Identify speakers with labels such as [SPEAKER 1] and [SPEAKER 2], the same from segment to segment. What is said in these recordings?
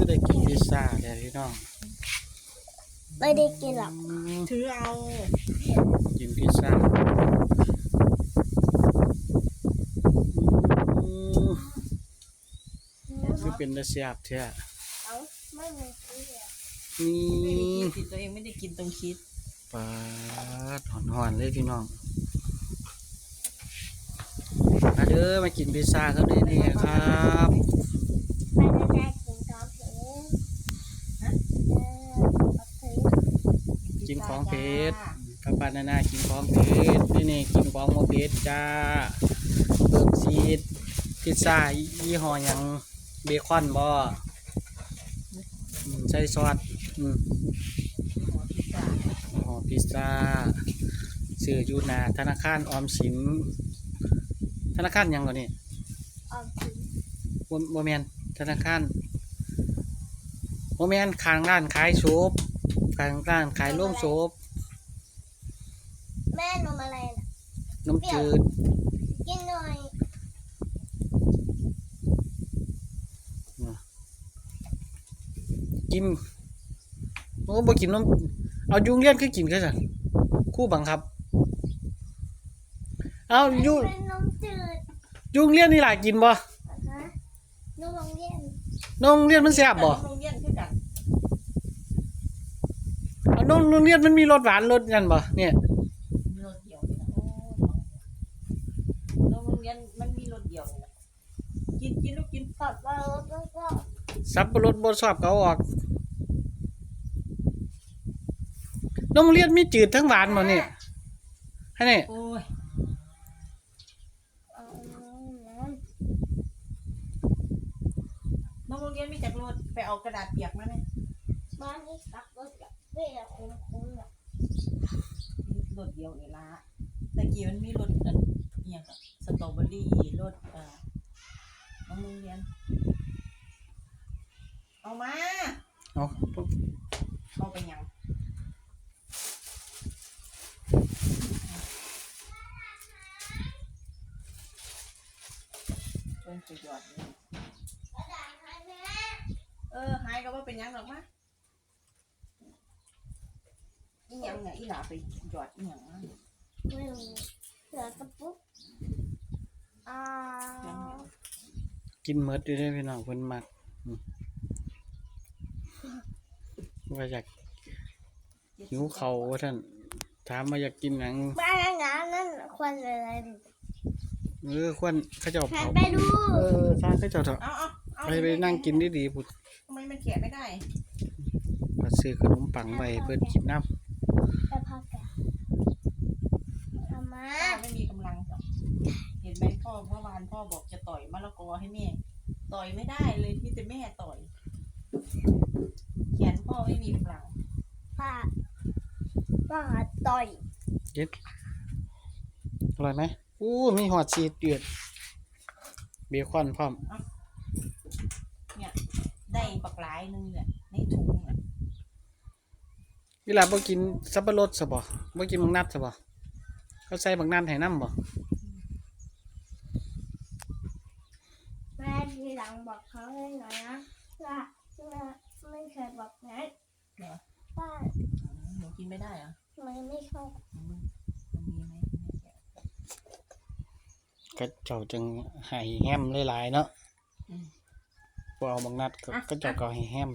[SPEAKER 1] ได้กินพิซซ่าเลยพี่น้อง
[SPEAKER 2] ไม่ได้กินหรอก
[SPEAKER 3] ถือเอา
[SPEAKER 1] กินพิซซ่าคือเป็นตะเสียบเท่า
[SPEAKER 2] เอาไม่มีคิด
[SPEAKER 1] นี่
[SPEAKER 3] กินตัวเองไม่ได้กินตรงคิด
[SPEAKER 1] ปลาหอนๆเลยพี่น้องมาเด้อมากินพิซซ่าเขาได้นี่ครับ
[SPEAKER 2] ไม่ได้กินของเพชร
[SPEAKER 1] กินของเพชรป้าป้านากินของเพชรนี่กินของโมเพชรจ้าเบิกซีดพิซซ่ายี่ห้อยังเบคอนบ่ใส่ซอสห่อพิซซ่าซื้ออยู่หน้าธนาคารออมสินธนาคารยังก่อนนี่
[SPEAKER 2] ออมสิน
[SPEAKER 1] โมเมนธนาคารโมเมนข้างร้านขายโซบข้างร้านขายโล่งโซบ
[SPEAKER 2] แม่นมอะไรน่ะ
[SPEAKER 1] นมจืด
[SPEAKER 2] กินหน่อย
[SPEAKER 1] กินโอ้บ่กินนมเอายุงเลี้ยนคือกินแค่สั่นคู่บังคับเอายุง
[SPEAKER 2] เป็นนมจืด
[SPEAKER 1] ยุงเลี้ยนนี่หลายกินบ่
[SPEAKER 2] นมโรงเรียน
[SPEAKER 1] นมเลี้ยนมันแซ่บบ่
[SPEAKER 3] โรงเรียนคือกัน
[SPEAKER 1] เอานมโรงเรียนมันมีรสหวานรสกันบ่เนี่ย
[SPEAKER 3] รสเดียวนี่นะโรงเรียนมันมีรสเดียวนี่นะกินลูกกิน
[SPEAKER 2] กับปลารสแล้วก็
[SPEAKER 1] สับปะรดบ่ชอบเขาออกนมเลี้ยนมีจืดทั้งหวานบ่เนี่ยให้นี่
[SPEAKER 3] โอ้ยน้องโรงเรียนมีจักรรถไปเอากระดาษเปียกมาเนี่ย
[SPEAKER 2] บ้านนี้กับรถกับเบี้ยคุ้มๆอ่ะ
[SPEAKER 3] รถเดียวนี่ละตะกี้มันมีรถอันเนี่ยกับสตรอเบอรี่รถน้องโรงเรียนเอามาเอาไปยังเป็นสุดยอดเลยหายก็ว่าเป็นยังหรอกมะอีหยังเนี่ยอีหลาไปหยอดอีหยัง
[SPEAKER 2] ไม่รู้เหลือกระปุก
[SPEAKER 1] กินเมดอยู่ได้พี่น้องเพิ่นมักว่าอยากหิวเข่าว่าท่านถามมาอยากกินหนัง
[SPEAKER 2] บ้านนั่นควันอะไร
[SPEAKER 1] ควันเขาเจ้าเผา
[SPEAKER 2] ไปดู
[SPEAKER 1] ใช่เขาเจ้าเถอะไปนั่งกินดีๆพุด
[SPEAKER 3] ทำไมมันเขียนไม่ได้
[SPEAKER 1] มาซื้อขนมปังไปเพื่อนกินน้
[SPEAKER 2] ำไปพักกันทำมา
[SPEAKER 3] ไม่มีกำลังจ้ะเห็นไหมพ่อเมื่อวานพ่อบอกจะต่อยมะละกอให้แม่ต่อยไม่ได้เลยที่แต่แม่ต่อยเขียนพ่อไม่มีกำลัง
[SPEAKER 2] ป้าต่อย
[SPEAKER 1] เย็ดอร่อยไหมมีหอดชีสเดือดเบคอนพร้อม
[SPEAKER 3] เนี่ยได้ปักหลายนึงเนี่ยในถุงอ่ะ
[SPEAKER 1] เวลาบ่กินสับปะรดซะบ่บ่กินบักนัดซะบ่เขาใส่บักนัดให้น้ำบ่
[SPEAKER 2] แม่ทีหลังบอกเขาเลยหน่อยนะว่าไม่เคยบอกนะ
[SPEAKER 3] เหรอ
[SPEAKER 2] ป้า
[SPEAKER 3] หนูกินไม่ได้เหรอ
[SPEAKER 2] ไม่ชอบ
[SPEAKER 3] มันมีไหม
[SPEAKER 1] ก็เจ้าจึงให้แฮมหลายๆเนาะพอเอาบักนัดก็เจ้าก็ให้แฮม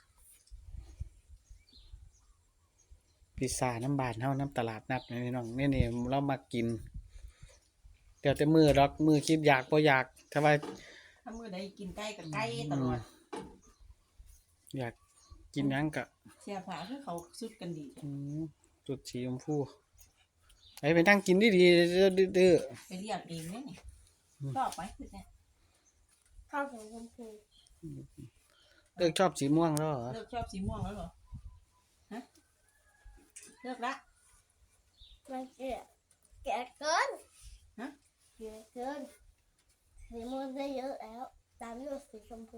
[SPEAKER 1] พิซซ่าน้ำบานเท่าน้ำตลาดนัดนี่น้องนี่เรามากินเดี๋ยวแต่มือรักมือคิดอยากพออยากถ้า
[SPEAKER 3] มือใดกินใกล้กับใกล้ตลอด
[SPEAKER 1] อยากกินยังกะ
[SPEAKER 3] เสียผ้าคือเขาสุดกันดี
[SPEAKER 1] จุดสีชมพูไปนั่งกินดีดื้อ
[SPEAKER 3] ไปเรียกเองเนี่ยชอบไหมคือเนี่ย
[SPEAKER 2] ข้าวสีชมพู
[SPEAKER 1] เลิกชอบสีม่วงแล้วเหรอ
[SPEAKER 3] เลิกชอบสีม่วงแล้วเหรอฮะเลิกละ
[SPEAKER 2] มันแก่เกินแก่เกินสีม่วงได้เยอะแล้วตามด้วยสีชมพู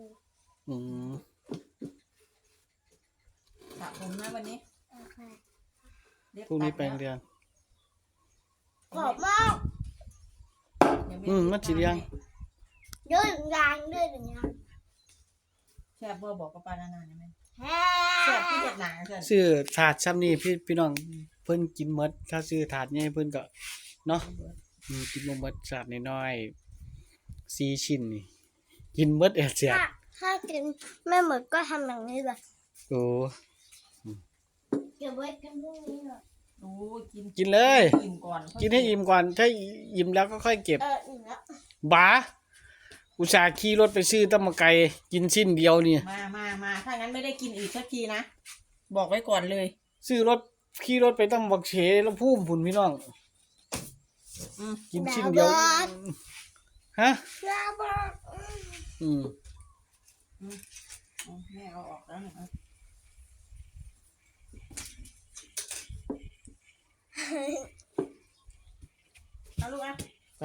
[SPEAKER 3] สระผมนะวันนี้
[SPEAKER 1] พรุ่งนี้ไปเรียน
[SPEAKER 2] กรอบมาก
[SPEAKER 1] มันสีเรียง
[SPEAKER 2] เยอะอย่างด้วยอย่างเงี้ย
[SPEAKER 3] แซ่บบ่บอกกับปลานานาได้ไหม
[SPEAKER 2] แฮ่
[SPEAKER 3] แซ่บที่เด็ดหนาเกิน
[SPEAKER 1] ซื้อถาดซ้ำนี่พี่น้องเพิ่นกินหมดถ้าซื้อถาดใหญ่เพิ่นก็เนาะกินบ่หมดถาดน้อยๆ4ชิ้นนี่กินหมดเสีย
[SPEAKER 2] ถ้ากินไม่หมดก็ทำอย่างนี้เลย
[SPEAKER 1] โอ้
[SPEAKER 2] เก็บไว้กินพรุ่งนี้เหรอ
[SPEAKER 3] โอ้กิน
[SPEAKER 1] กินเลย
[SPEAKER 3] อิ่มก่อน
[SPEAKER 1] กินให้อิ่มก่อนถ้าอิ่มแล้วก็ค่อยเก็บ
[SPEAKER 2] อิ่มแล้ว
[SPEAKER 1] บาอุตส่าห์ขี่รถไปซื้อตำมะไก่กินชิ้นเดียวนี่
[SPEAKER 3] มาถ้างั้นไม่ได้กินอีกสักทีนะบอกไว้ก่อนเลย
[SPEAKER 1] ซื้อรถขี่รถไปตำบักเฉแล้วพุ่มพุ่นพี่น้อง
[SPEAKER 3] อืม
[SPEAKER 1] กินชิ้นเดียวฮะ
[SPEAKER 2] ลาบอ
[SPEAKER 1] อืม
[SPEAKER 3] แม่เอาออกแล้วนะเอาลูกอ่ะ
[SPEAKER 1] ไป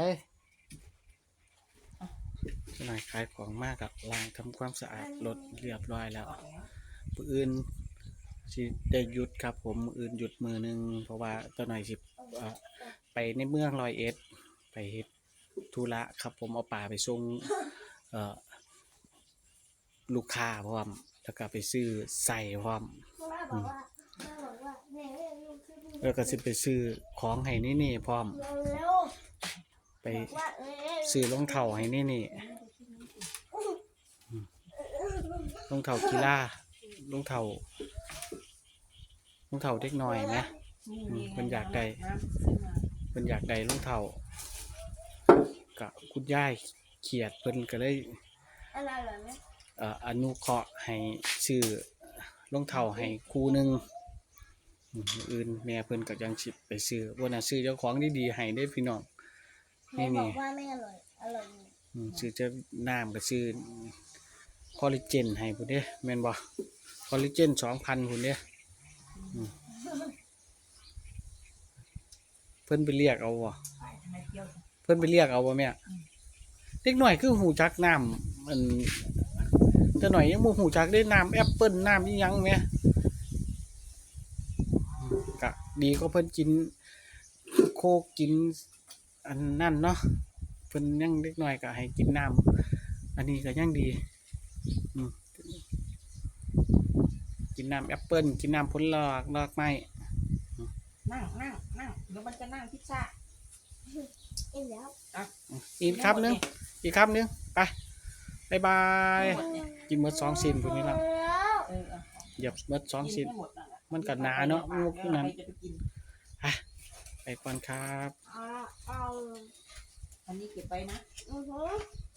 [SPEAKER 1] เจ้านายขายของมากกับล้างทำความสะอาดรถเรียบร้อยแล้ว
[SPEAKER 3] ออกแล้ว
[SPEAKER 1] มื้ออื่นสิได้หยุดครับผมมื้ออื่นหยุดมื้อหนึงเพราะว่าเจ้านายสิไปในเมือง101ไปเฮ็ดธุระครับผมเอาป่าไปส่งลูกค้าพร้อมแล้วก็ไปซื้อใส่พร้อม
[SPEAKER 2] แม่บอกว่าเนี่ยลูกขึ้น
[SPEAKER 1] แล้วก็สิไปซื้อของให้นี่พร้อม
[SPEAKER 2] เร็ว
[SPEAKER 1] ไป
[SPEAKER 2] ๆว่าเร็ว
[SPEAKER 1] ซื้อรองเท้าให้นี่รองเท้ากีฬารองเท้าเด็กน้อยนะ เพิ่นอยากได้
[SPEAKER 3] น้ำซื้อมา
[SPEAKER 1] เพิ่นอยากได้รองเท้าก็คุณยายเขียดเพิ่นก็เลย
[SPEAKER 2] อะไรเหรอเนี่ย
[SPEAKER 1] อนุเคราะห์ให้ซื้อรองเท้าให้คู่หนึงมื้ออื่นแม่เพิ่นก็ยังสิไปซื้อบ่น่าซื้อเจ้าของดีๆให้เด้อพี่น้อง
[SPEAKER 2] แม่บอกว่าไม่อร่อยอร่อยอยู่
[SPEAKER 1] ซื้อจะน้ำก็ซื้อคอลลาเจนให้พุ่นเด้แม่นบ่คอลลาเจน 2,000 พุ่นเด้เพิ่นไปเรียกเอาบ่
[SPEAKER 3] ไปทำไมเที่ยวจัง
[SPEAKER 1] เพิ่นไปเรียกเอาบ่แม่เด็กน้อยคือหูจักน้ำอันแต่หน่อยยังบ่หูจักได้น้ำแอปเปิ้ลน้ำอีหยังแหม่ก็ดีก็เพิ่นกินโคกกินอันนั่นเนาะเพิ่นยังเด็กน้อยก็ให้กินน้ำอันนี้ก็ยังดีกินน้ำแอปเปิ้ลกินน้ำผลลอกไม้
[SPEAKER 3] นั่งเดี๋ยวมันจะนั่งพิซซ่า
[SPEAKER 2] อิ่มแล้ว
[SPEAKER 1] อีกคำหนึงไปบ๊ายบายกินหมด2ชิ้นพุ่นนี่ล่ะ
[SPEAKER 2] แล้ว
[SPEAKER 1] เหยียบหมด2ชิ้น
[SPEAKER 3] กิให้หมดนั่นแหละ
[SPEAKER 1] มันก็หนาเนาะ
[SPEAKER 3] ดี๋ยว
[SPEAKER 1] พวกนั้น
[SPEAKER 3] ใครจะไปกิน
[SPEAKER 1] ไปก่อนครับ
[SPEAKER 2] เอา
[SPEAKER 3] อันนี้เก็บไปนะ
[SPEAKER 2] อือหือ